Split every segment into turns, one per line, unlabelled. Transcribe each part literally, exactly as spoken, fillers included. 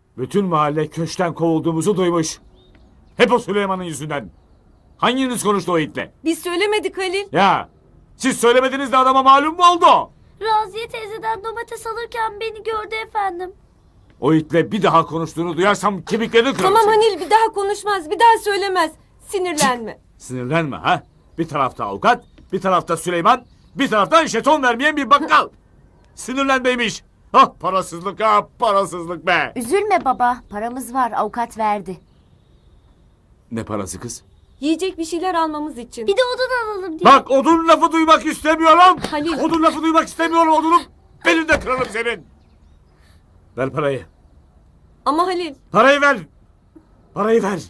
Bütün mahalle köşkten kovulduğumuzu duymuş. Hep o Süleyman'ın yüzünden. Hanginiz konuştu o itle?
Biz söylemedik Halil.
Ya siz söylemediniz de adama malum mu oldu?
Raziye teyzeden domates alırken beni gördü efendim.
O itle bir daha konuştuğunu duyarsam kemiklerini kırarım.
Tamam
senin.
Halil bir daha konuşmaz, bir daha söylemez. Sinirlenme.
Sinirlenme ha. Bir tarafta avukat, bir tarafta Süleyman, bir taraftan jeton vermeyen bir bakkal. Sinirlenmeymiş. Ah parasızlık ha parasızlık be.
Üzülme baba, paramız var, avukat verdi.
Ne parası kız?
Yiyecek bir şeyler almamız için.
Bir de odun alalım diye.
Bak odun lafı duymak istemiyorum.
Halil.
Odun lafı duymak istemiyorum odunum. Benim de kralım senin. Ver parayı.
Ama Halil.
Parayı ver. Parayı ver.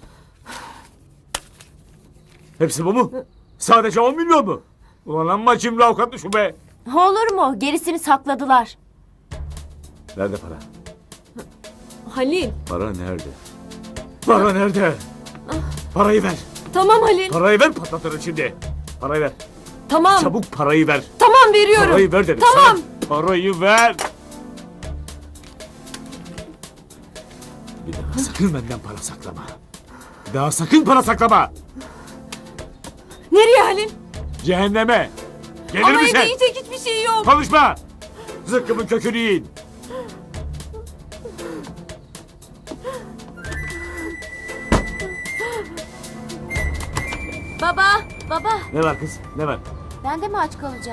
Hepsi bu mu? Sadece on milyon mu? Ulan amma cimri avukatlı şu be.
Olur mu? Gerisini sakladılar.
Nerede para?
Halil.
Para nerede? Para nerede? Parayı ver.
Tamam Halil.
Parayı ver patlatırım şimdi. Parayı ver.
Tamam.
Çabuk parayı ver.
Tamam veriyorum.
Parayı ver dedim
Tamam.
sana. Parayı ver. Bir daha sakın benden para saklama. Bir daha sakın para saklama.
Nereye Halil?
Cehenneme. Gelir
Ama
misin?
evde yiyecek hiçbir şey yok.
Konuşma. Zıkkımın kökünü yiyin.
Baba, baba.
Ne var kız? Ne var?
Ben de mi aç kalacağım?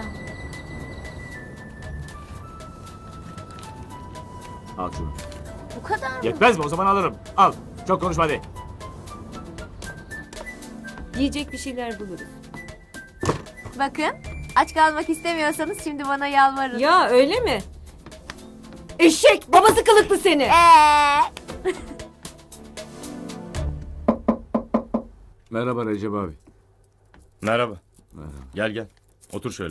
Al şunu.
Bu kadar mı?
Yetmez mi? O zaman alırım. Al. Çok konuşma hadi.
Yiyecek bir şeyler buluruz.
Bakın, aç kalmak istemiyorsanız şimdi bana yalvarın.
Ya öyle mi? Eşek babası kılıklı seni.
Ee,
Merhaba Recep abi.
Merhaba.
Merhaba.
Gel gel. Otur şöyle.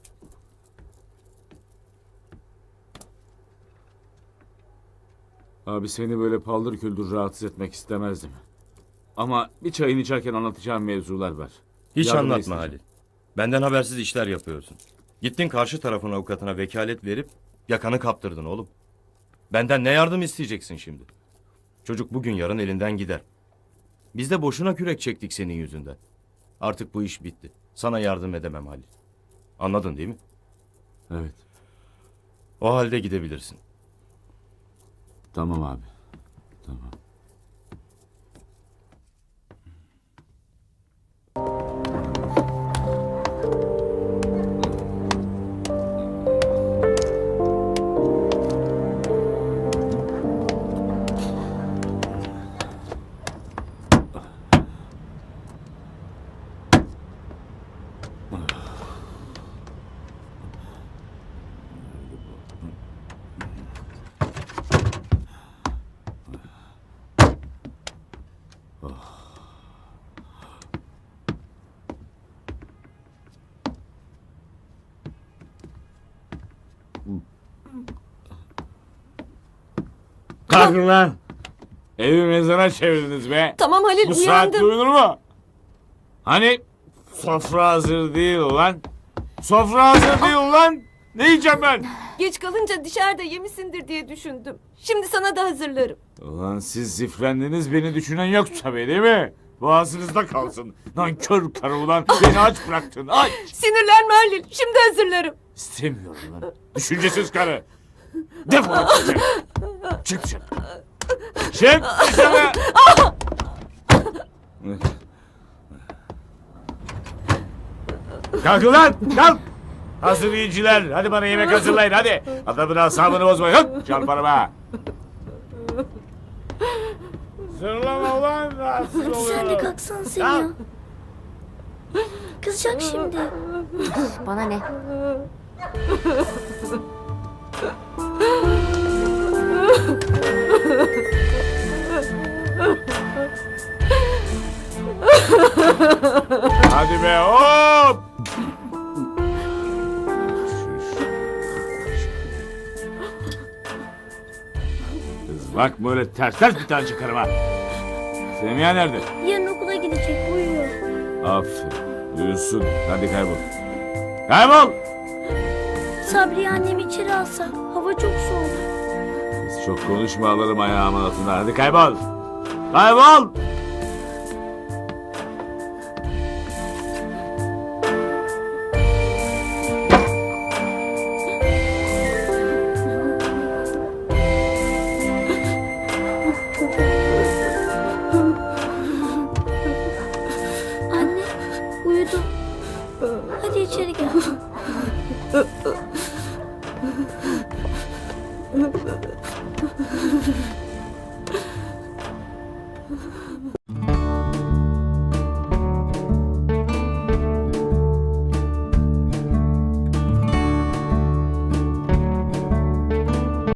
Abi seni böyle paldır küldür rahatsız etmek istemezdim. Ama bir çayını içerken anlatacağım mevzular var.
Hiç
Yardım
anlatma
isteyeceğim.
Halil. Benden habersiz işler yapıyorsun. Gittin karşı tarafın avukatına vekalet verip yakanı kaptırdın oğlum. Benden ne yardım isteyeceksin şimdi? Çocuk bugün yarın elinden gider. Biz de boşuna kürek çektik senin yüzünden. Artık bu iş bitti. Sana yardım edemem Halil. Anladın değil mi?
Evet.
O halde gidebilirsin.
Tamam abi. Tamam. Kalkın lan. Evi mezara çevirdiniz be.
Tamam Halil
Bu saatte
uyandım.
uyunur mu? Hani sofra hazır değil ulan. Sofra hazır değil ulan. Ne yiyeceğim ben?
Geç kalınca dışarıda yemişsindir diye düşündüm. Şimdi sana da hazırlarım.
Ulan siz zifrendiniz beni düşünen yok tabii değil mi? Boğazınızda kalsın. Nankör karı ulan beni aç bıraktın aç.
Sinirlenme Halil. Şimdi hazırlarım.
İstemiyorum lan. Düşüncesiz karı. Defol dışarı. Çık dışarı. Çık dışarı. Kalkın lan kalk. Hazır yiyiciler. Hadi bana yemek hazırlayın hadi. Adamın asabını bozmayın. Hop çarparım ha. Zırlama ulan rahatsız
Sen de
oluyorum.
kalksana sen ya. Kızacak şimdi.
bana ne?
Hadi be hop. Kız bak böyle ters ters bir tane çıkarım ha. Semiha nerede?
Yarın okula gidecek uyuyor.
Aferin. Uyusun. Hadi kaybol. Kaybol.
Sabriye annemi içeri alsa hava çok soğuk.
Kız Çok konuşma alırım ayağımın altından. Hadi kaybol. Kaybol.
Anne uyudum. Hadi içeri gel.